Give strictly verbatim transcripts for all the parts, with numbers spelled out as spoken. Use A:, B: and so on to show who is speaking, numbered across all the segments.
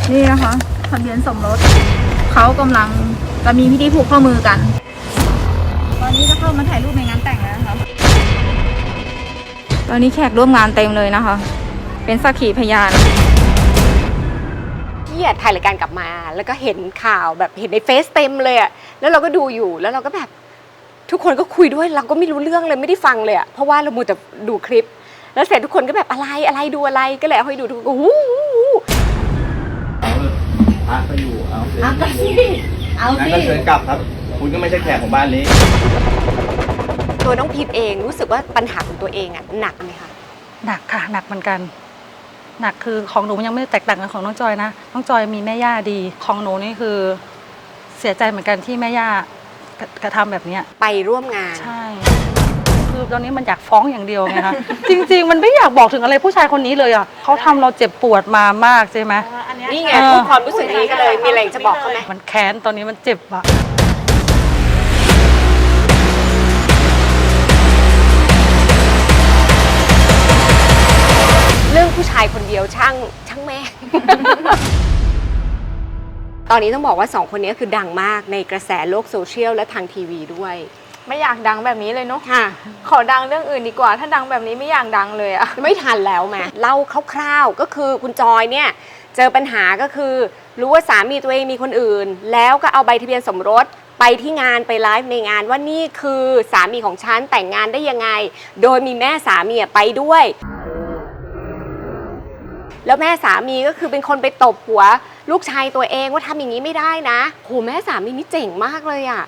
A: นี่นะคะทะเบียนสมรสเขากำลังจะมีพิธีผูกข้อมือกันตอนนี้จะเข้ามาถ่ายรูปในงานแต่งแล้วนะคะตอนนี้แขกร่วมงานเต็มเลยนะคะเป็นสักขีพยาน
B: พี่ถ่ายรายการกลับมาแล้วก็เห็นข่าวแบบเห็นในเฟซเต็มเลยอะแล้วเราก็ดูอยู่แล้วเราก็แบบทุกคนก็คุยด้วยเราก็ไม่รู้เรื่องเลยไม่ได้ฟังเลยอะเพราะว่าเรามัวแต่ดูคลิปแล้วเสร็จทุกคนก็แบบอะไรอะไรดูอะไรก็เลยเอาให้ดูทุกคนก็วู้
C: เอาเลยพระก็อยู่เอาเอาสิเอาสิงั้นก็เชิญกลับครับคุณก็ไม่ใช่แขกของบ้านนี้
B: ตัวน้องพีมเองรู้สึกว่าปัญหาของตัวเองอะหนักไหมคะ
D: หนักค่ะหนักเหมือนกันหนักคือของหนูยังไม่แตกต่างกันของน้องจอยนะน้องจอยมีแม่ย่าดีของหนูนี่คือเสียใจเหมือนกันที่แม่ย่ากระทำแบบนี้
B: ไปร่วมงาน
D: ใช่คือตอนนี้มันอยากฟ้องอย่างเดียวไงคะจริงๆมันไม่อยากบอกถึงอะไรผู้ชายคนนี้เลยอ่ะเขาทำเราเจ็บปวดมามากใช่ไหม
B: นี่ไงพูดความรู้สึกนี้ก็เลยมีอะไรจะบอกเขาไหม
D: มันแค้นตอนนี้มันเจ็บอะ
B: เรื่องผู้ชายคนเดียวช่างช่างแม่ ตอนนี้ต้องบอกว่าสองคนนี้คือดังมากในกระแสโลกโซเชียลและทางทีวีด้วย
A: ไม่อยากดังแบบนี้เลยเนาะ
B: ค่ะ
A: ขอดังเรื่องอื่นดีกว่าถ้าดังแบบนี้ไม่อยากดังเลยอะ
B: ไม่ทันแล้วแม่เล่าคร่าวๆก็คือคุณจอยเนี่ยเจอปัญหาก็คือรู้ว่าสามีตัวเองมีคนอื่นแล้วก็เอาใบทะเบียนสมรสไปที่งานไปไลฟ์ในงานว่านี่คือสามีของฉันแต่งงานได้ยังไงโดยมีแม่สามีไปด้วยแล้วแม่สามีก็คือเป็นคนไปตบหัวลูกชายตัวเองว่าทำอย่างนี้ไม่ได้นะโหแม่สามีนี่เจ๋งมากเลยอะ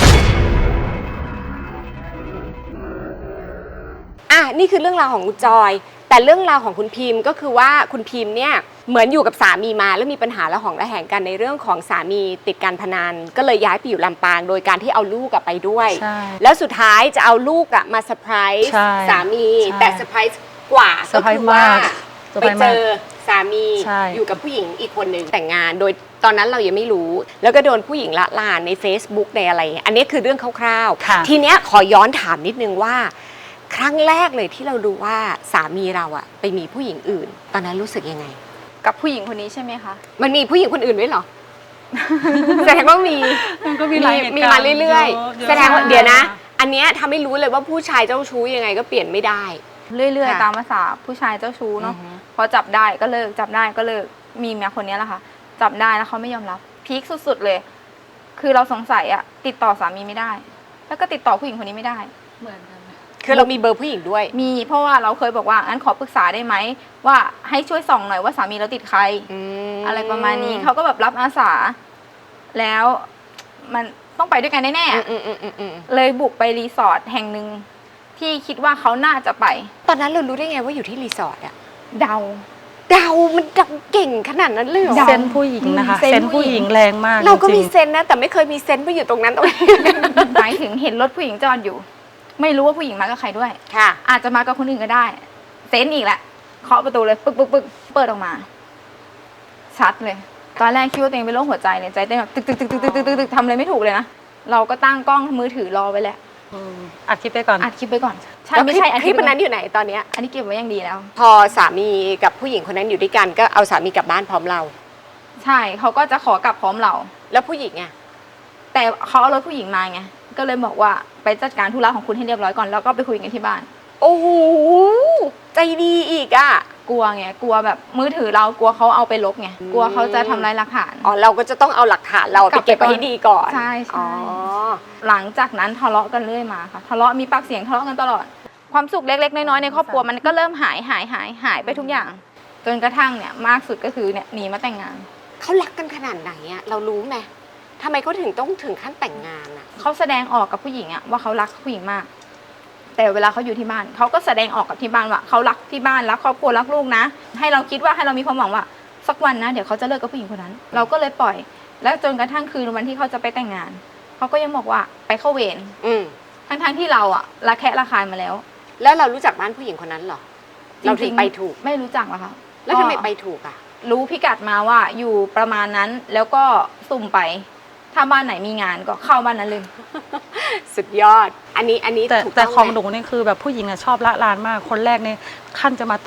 B: อ่ะนี่คือเรื่องราวของคุณจอยแต่เรื่องราวของคุณพิมก็คือว่าคุณพิมเนี่ยเหมือนอยู่กับสามีมาแล้วมีปัญหาระหองระแหงกันในเรื่องของสามีติดการพนันก็เลยย้ายไปอยู่ลำปางโดยการที่เอาลูกไปด้วยแล้วสุดท้ายจะเอาลูกมาเซอร์ไพรส์สามีแต่เซอร์ไพรส์กว่าก็คือว่าไปเจอสามีอยู่กับผู้หญิงอีกคนหนึ่งแต่งงานโดยตอนนั้นเรายังไม่รู้แล้วก็โดนผู้หญิงละลานใน Facebook ในอะไรอันนี้คือเรื่องคร่าวๆทีเนี้ยขอย้อนถามนิดนึงว่าครั้งแรกเลยที่เราดูว่าสามีเราอะไปมีผู้หญิงอื่นตอนนั้นรู้สึกยังไง
A: กับผู้หญิงคนนี้ใช่ไหมคะ
B: มันมีผู้หญิงคนอื่นด้วยเหรอแสดงว่ามี
D: มันก็มี
B: มีมาเรื่อยๆแสดงว่าเดี๋ยวนะอันเนี้ยทำให้รู้เลยว่าผู้ชายเจ้าชู้ยังไงก็เปลี่ยนไม่ได้
A: เรื่อยๆตามภาษาผู้ชายเจ้าชู้เนาะพอจับได้ก็เลิกจับได้ก็เลิกมีเมียคนนี้แหละค่ะจับได้แล้วเขาไม่ยอมรับพีคสุดๆเลยคือเราสงสัยอะติดต่อสามีไม่ได้แล้วก็ติดต่อผู้หญิงคนนี้ไม่ได้
D: เหมือนกัน
B: คือเรามีเบอร์ผู้หญิงด้วย
A: มีเพราะว่าเราเคยบอกว่างั้นขอปรึกษาได้ไหมว่าให้ช่วยส่องหน่อยว่าสามีเราติดใครอะไรประมาณนี้เขาก็แบบรับอาสาแล้วมันต้องไปด้วยกันแน่ๆเลยบุกไปรีสอร์ทแห่งหนึ่งที่คิดว่าเขาน่าจะไป
B: ตอนนั้นเรารู้ได้ไงว่าอยู่ที่รีสอร์ทอะ
A: เดา
B: เดามันเดาเก่งขนาดนั้นเลยเหรอ
D: เซนผู้หญิงนะคะเซนผู้หญิงแรงมาก
B: เราก็มีเซนนะแต่ไม่เคยมีเซนไปอยู่ตรงนั้นตรงนี้
A: หมายถึงเห็นรถผู้หญิงจอดอยู่ไม่รู้ว่าผู้หญิงมากับใครด้วย
B: ค่ะ
A: อาจจะมากับคนอื่นก็ได้เซนอีกแหละเคาะประตูเลยปึ๊กปึ๊กปึ๊กเปิดออกมาชัดเลยตอนแรกคิดว่าตัวเองเป็นโรคหัวใจเนี่ยใจเต้นแบบตึกตึกตึกตึกตึกตึกตึกทำอะไรไม่ถูกเลยนะเราก็ตั้งกล้องมือถือรอไว้แหละ
D: อัดคลิปไปก่อน
A: อัดคลิปไปก่อน
B: ใช่ไม่ใช่คลิปนั้นอยู่ไหนตอนนี้
A: อันนี้เก็บไว้อย่างดีแล้ว
B: พอสามีกับผู้หญิงคนนั้นอยู่ด้วยกันก็เอาสามีกลับบ้านพร้อมเรา
A: ใช่เขาก็จะขอกลับพร้อมเรา
B: แล้วผู้หญิงไง
A: แต่เขาเอารถผู้หญิงมาไงก็เลยบอกว่าไปจัดการธุระของคุณให้เรียบร้อยก่อนแล้วก็ไปคุยกันที่บ้าน
B: โอ้โหใจดีอีกอ่ะ
A: กลัวไงกลัวแบบมือถือเรากลัวเขาเอาไปลบไงกลัวเขาจะทำลายหลักฐาน
B: อ๋อเราก็จะต้องเอาหลักฐานเราไปเก็บไว้ให้ดีก่อน
A: ใช่ใช่หลังจากนั้นทะเลาะกันเรื่อยมาค่ะทะเลาะมีปากเสียงทะเลาะกันตลอดความสุขเล็กๆน้อยๆในครอบครัวมันก็เริ่มหายหายหายหายไปทุกอย่างจนกระทั่งเนี่ยมากสุดก็คือเนี่ยหนีมาแต่งงาน
B: เขารักกันขนาดไหนอะเรารู้ไหมทำไมเขาถึงต้องถึงขั้นแต่งงานอะ
A: เขาแสดงออกกับผู้หญิงอะว่าเขารักผู้หญิงมากแต่เวลาเขาอยู่ที่บ้านเขาก็แสดงออกกับที่บ้านว่าเขารักที่บ้านรักครอบครัวรักลูกนะให้เราคิดว่าให้เรามีความหวังว่าสักวันนะเดี๋ยวเขาจะเลิกกับผู้หญิงคนนั้นเราก็เลยปล่อยแล้วจนกระทั่งคืนวันที่เขาจะไปแต่งงานเขาก็ยังบอกว่าไปเข้าเวรทั้งๆที่เราอะระแคะระคายมาแล้ว
B: แล้วเรารู้จักบ้านผู้หญิงคนนั้นหรอเราถึงไปถูก
A: ไม่รู้จักหรอคะ
B: แล้วทำไมไปถูกอะ
A: รู้พิกัดมาว่าอยู่ประมาณนั้นแล้วก็สุ่มไปถ้าบ้านไหนมีงานก็เข้าบ้านนั้นเลย
B: สุดยอดอันนี้อันนี้
D: แต่แต่ของหนูนี่คือแบบผู้หญิงอะชอบละลานมากคนแรกเนี่ยขั้นจะมาตบ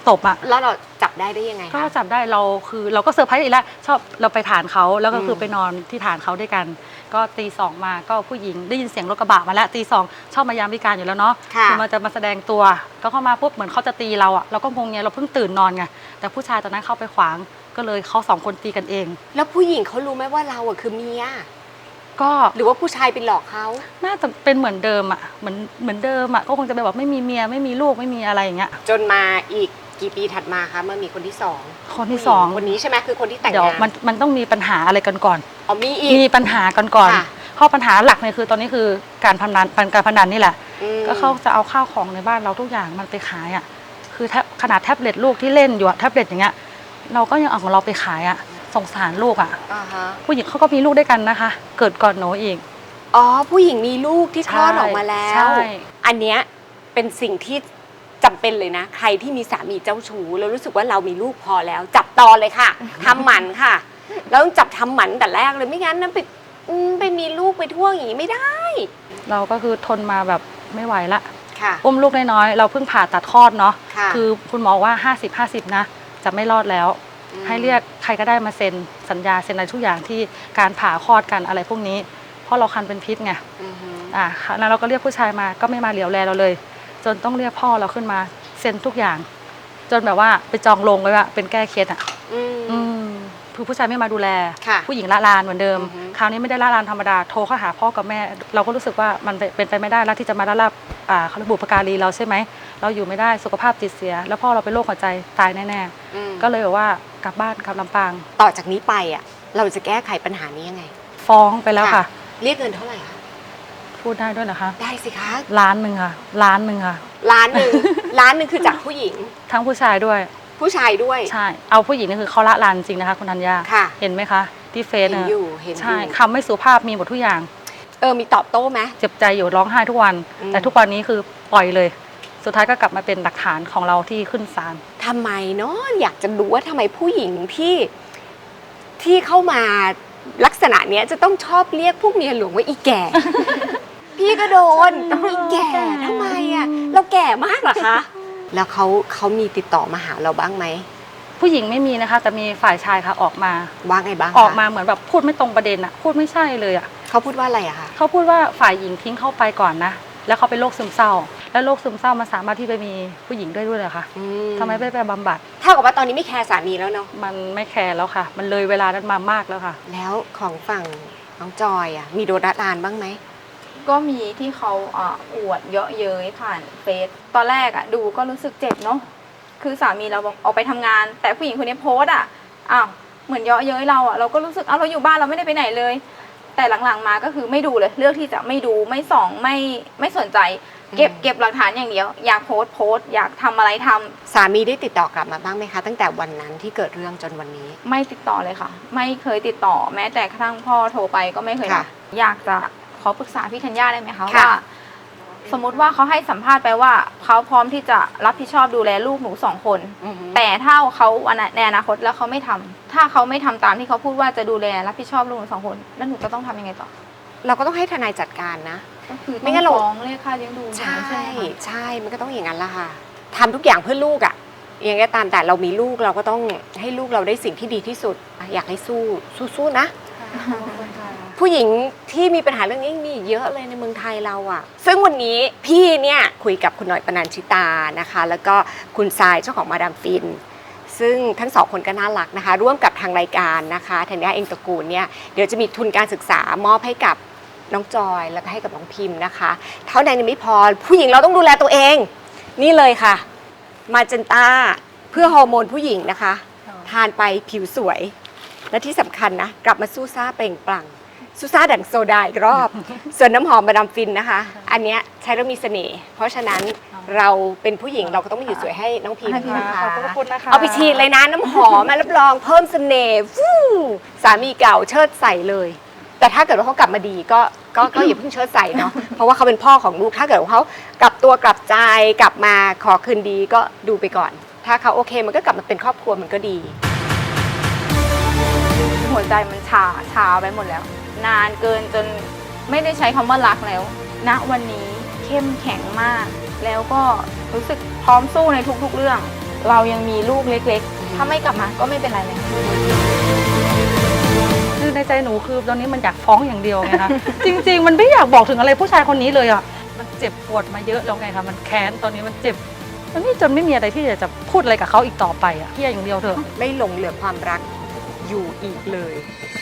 D: ตบอ่ะ
B: แล้วเราจับได้ได้ยังไง
D: ก็
B: คะ
D: จับได้เราคือเราก็เซอร์ไพรส์อีกแล้วชอบเราไปฐานเขาแล้วก็คือ
B: ม
D: ไปนอนที่ฐานเขาด้วยกัน ก็ตีสองมาก็ผู้หญิงได้ยินเสียงรถกระบะมาแล้วตีสองชอบมายามวิการอยู่แล้วเนาะ
B: ค่ะ
D: คือมันจะมาแสดงตัวก็เข้ามาปุ๊บเหมือนเขาจะตีเราอ่ะเราก็งงไงเราเพิ่งตื่นนอนไงแต่ผู้ชายตอนนั้นเข้าไปขวางก็เลยเขาสองคนตีกันเอง
B: แล้วผู้หญิงเขารู้ไหมว่าเราอะคือเมีย
D: ก็
B: หรือว่าผู้ชายไปหลอกเขา
D: น่าจะเป็นเหมือนเดิมอ่ะเหมือนเหมือนเดิมอ่ะก็คงจะไปบอกไม่มีเมียไม่มีลูกไม่มีอะไรอย่างเงี้ย
B: จนมาอีกกี่ปีถัดมาคะเมื่อมีคนที่สอง
D: คนที่สอง
B: คนนี้ใช่ไหมคือคนที่แต่ง
D: เดี๋ยว
B: งาน
D: มันมันต้องมีปัญหาอะไรกันก่อน
B: อ๋อมีอีก
D: มีปัญหากันก่อน
B: ค่ะ
D: ข้อปัญหาหลักเนี่ยคือตอนนี้คือการพนันการพนันนี่แหละ
B: อืม
D: ก็เขาจะเอาข้าวของในบ้านเราทุกอย่างมันไปขายอ่ะคือแทบขนาดแท็บเล็ตลูกที่เล่นอยู่อะแท็บเล็ตอย่างเงี้ยเราก็ยังเอาของเราไปขายอ่ะสงสารลูกอ่ะ
B: อ่าฮะ
D: ผู้หญิงเขาก็มีลูกด้วยกันนะคะ เกิดก่อนหนูอีก
B: อ๋อผู้หญิงมีลูกที่คลอดออกมาแล้
D: ใช่
B: ว อันเนี้ยเป็นสิ่งที่จำเป็นเลยนะ ใครที่มีสามีเจ้าชู้แล้วรู้สึกว่าเรามีลูกพอแล้ว จับตอนเลยค่ะทำหมันค่ะ แล้วต้องจับทำหมันแต่แรกเลยไม่งั้นนะไปอืมไปมีลูกไปทั่วอย่างนี้ไม่ได้
D: เราก็คือทนมาแบบไม่ไหวละ
B: ค่ะ
D: อุ้มลูกน้อยๆเราเพิ่งผ่าตัดคลอดเนาะ
B: ค่ะ
D: คือคุณหมอว่าห้าสิบ ห้าสิบนะจะไม่รอดแล้ว
B: ม
D: ให้เรียกใครก็ได้มาเซ็นสัญญาเซ็นอะไรทุกอย่างที่การผ่าคลอดกันอะไรพวกนี้ เพราะเราคันเป็นพิษไง
B: อือฮึ
D: อ่าแล้วเราก็เรียกผู้ชายมาก็ไม่มาเหลียวแลเราเลย จนต้องเรียกพ่อเราขึ้นมาเซ็นทุกอย่าง จนแบบว่าไปจองลงไว้ว่าเป็นแก้เคสอ่ะ
B: อืม
D: อืมคือผู้ชายไม่มาดูแล
B: ค่ะ
D: ผู้หญิงละลานเหมือนเดิม
B: อือฮึ
D: คราวนี้ไม่ได้ละลานธรรมดาโทรเข้าหาพ่อกับแม่ เราก็รู้สึกว่ามันเป็นไปไม่ได้แล้วที่จะมาละลาบอ่าเขาระบุปการีเราใช่ไหมเราอยู่ไม่ได้สุขภาพจิตเสีย แล้วพ่อเราเป็นโรคหัวใจตายแน่
B: อืม
D: ๆก็เลยแบบว่ากลับบ้านกลับลำปาง
B: ต่อจากนี้ไปอ่ะ เราจะแก้ไขปัญหานี้ยังไง
D: ฟ้องไปแล้วค่ะ
B: เรียกเงินเท่าไหร่คะ
D: พูดได้ด้วยเหรอคะ
B: ได้สิคะ
D: ล้านหนึ่งค่ะล้านหนึ่งค่ะ
B: ล้านหนึ่ง ล้านหนึ่งคือจากผู้หญิง
D: ทั้งผู้ชายด้วย
B: ผู้ชายด้วย
D: ใช่ เอาผู้หญิงนี่คือเขาละลานจริงนะคะคุณธัญญา
B: ค่ะ
D: เห็นไหมคะ ที่เฟซ
B: เห็น
D: น่ะ
B: อยู่เห็นอ
D: ใช่
B: ยู่
D: คำไม่สุภาพมีหมดทุกอย่าง
B: เออมีตอบโต้ไหม
D: เจ็บใจอยู่ร้องไห้ทุกวัน
B: อืม
D: แต่ทุกวันนี้คือปล่อยเลย สุดท้ายก็กลับมาเป็นหลักฐานของเราที่ขึ้นศาล
B: ทำไมเนาะอยากจะรู้ว่าทำไมผู้หญิงที่ที่เข้ามาลักษณะเนี้ยจะต้องชอบเรียกพวกเมียหลวงว่าอีแก่ พี่ก็โดนต้องอีแก่ทำไมอ่ะเราแก่มากเหรอคะ แล้วเขาเขามีติดต่อมาหาเราบ้างไหม
D: ผู้หญิงไม่มีนะคะ แต่มีฝ่ายชายค่ะออกมา
B: ว่าไงบ้างคะ
D: ออกมาเหมือนแบบพูดไม่ตรงประเด็นอะพูดไม่ใช่เลยอะ
B: เขาพูดว่าอะไรอะคะ
D: เขาพูดว่าฝ่ายหญิงทิ้งเข้าไปก่อนนะ แล้วเขาเป็นโรคซึมเศร้า แล้วโรคซึมเศร้ามันสามารถที่ไปมีผู้หญิงด้วยด้วยเหรอคะ
B: อื
D: ทำไมไม่ไปบำบัด
B: เท่ากับว่าตอนนี้ไม่แคร์สามีแล้วเนาะ
D: มันไม่แคร์แล้วค่ะ มันเลยเวลานั้นมามากแล้วค่ะ
B: แล้วของฝั่งน้องจอยอะมีโดนละลานบ้างไหม
A: ก็มีที่เขาอ่าอวดเยาะเย้ยผ่านเฟซตอนแรกอะดูก็รู้สึกเจ็บเนาะคือสามีเราบอกออกไปทำงาน แต่ผู้หญิงคนนี้โพสต์อะอ้าวเหมือนเยาะเย้ยเราอะเราก็รู้สึกอ้าวเราอยู่บ้านเราไม่ได้ไปไหนเลย แต่หลังๆมาก็คือไม่ดูเลยเลือกที่จะไม่ดูไม่ส่องไม่ไม่สนใจ เก็บ
B: อืม
A: เก็บหลักฐานอย่างเดียว อยากโพสต์โพสต์อยากทำอะไรทำ
B: สามีได้ติดต่อกลับมาบ้างไหมคะ ตั้งแต่วันนั้นที่เกิดเรื่องจนวันนี้
A: ไม่ติดต่อเลยค่ะ ไม่เคยติดต่อแม้แต่กระทั่งพ่อโทรไปก็ไม่เคยรับ
B: ค่ะ
A: อยากจะขอปรึกษาพี่ธัญญาได้ไหมคะ
B: ค่ะ
A: ว่า สมมุติว่าเขาให้สัมภาษณ์ไปว่าเขาพร้อมที่จะรับผิดชอบดูแลลูกหนูสองคน
B: อือฮึ
A: แต่ถ้าเขาในอนาคตแล้วเขาไม่ทำถ้าเขาไม่ทำตามที่เขาพูดว่าจะดูแลรับผิดชอบลูกหนูสองคนแล้วหนูจะต้องทำยังไงต่อ
B: เราก็ต้องให้ทนายจัดการนะ
A: ก็คือ
B: ไม่
A: ต้อง
B: งั้นเรา
A: ฟ้องเรียกค่าเลี้ยงดู
B: ใช่
A: ไหมไหมคะ
B: ใช่มันก็ต้องอย่างนั้นละค่ะทำทุกอย่างเพื่อลูกอะยังไงก็ตามแต่เรามีลูกเราก็ต้องให้ลูกเราได้สิ่งที่ดีที่สุด อยากให้สู้สู้ๆนะ ผู้หญิงที่มีปัญหาเรื่องนี้มีอีกเยอะเลยในเมืองไทยเราอะซึ่งวันนี้พี่เนี่ยคุยกับคุณหน่อยปนัญชิตานะคะ แล้วก็คุณทรายเจ้าของมาดามฟิน ซึ่งทั้งสองคนก็น่ารักนะคะ ร่วมกับทางรายการนะคะธัญญาเองตระกูลเนี่ยเดี๋ยวจะมีทุนการศึกษามอบให้กับน้องจอยแล้วก็ให้กับน้องพิมพ์นะคะ เท่านั้นยังไม่พอผู้หญิงเราต้องดูแลตัวเอง นี่เลยค่ะมาเจนต้าเพื่อฮอร์โมนผู้หญิงนะคะ ทานไปผิวสวย และที่สำคัญนะกลับมาสู้ซ่าเปล่งปลั่งสู้ซ่าดั่งโซดาอีกรอบ ส่วนน้ำหอมมาดามฟินนะคะ อันเนี้ยใช้แล้วมีเสน่ห์เพราะฉะนั้นเราเป็นผู้หญิงเราก็ต้องมาอยู่สวยให้น้องพิมพ์นะคะ
D: ขอบคุณนะคะ
B: เอาไปฉีดเลยนะน้ำหอมมารับรองเพิ่มเสน่ห์ฟู่สามีเก่าเชิดใส่เลย แต่ถ้าเกิดว่าเขากลับมาดีก็ก็ก็อย่าเพิ่งเชิดใส่เนาะเพราะว่าเขาเป็นพ่อของลูกถ้าเกิดว่าเขากลับตัวกลับใจกลับมาขอคืนดีก็ดูไปก่อน ถ้าเขาโอเคมันก็กลับมาเป็นครอบครัวมันก็ดี
A: หัวใจมันชาชาไปหมดแล้ว นานเกินจนไม่ได้ใช้คำว่ารักแล้ว ณวันนี้เข้มแข็งมาก แล้วก็รู้สึกพร้อมสู้ในทุกๆเรื่องเรายังมีลูกเล็กๆ ถ้าไม่กลับมาก็ไม่เป็นไรเลย
D: คือในใจหนูคือตอนนี้มันอยากฟ้องอย่างเดียวไงคะ จริงๆ มันไม่อยากบอกถึงอะไรผู้ชายคนนี้เลยอ่ะมันเจ็บปวดมาเยอะแล้วไงคะมันแค้นตอนนี้มันเจ็บมันนี่จนไม่มีอะไรที่จะพูดอะไรกับเขาอีกต่อไปอ่ะเพี้ยอย่างเดียวเถอะ
B: ไม่หลงเหลือความรักอยู่อีกเลย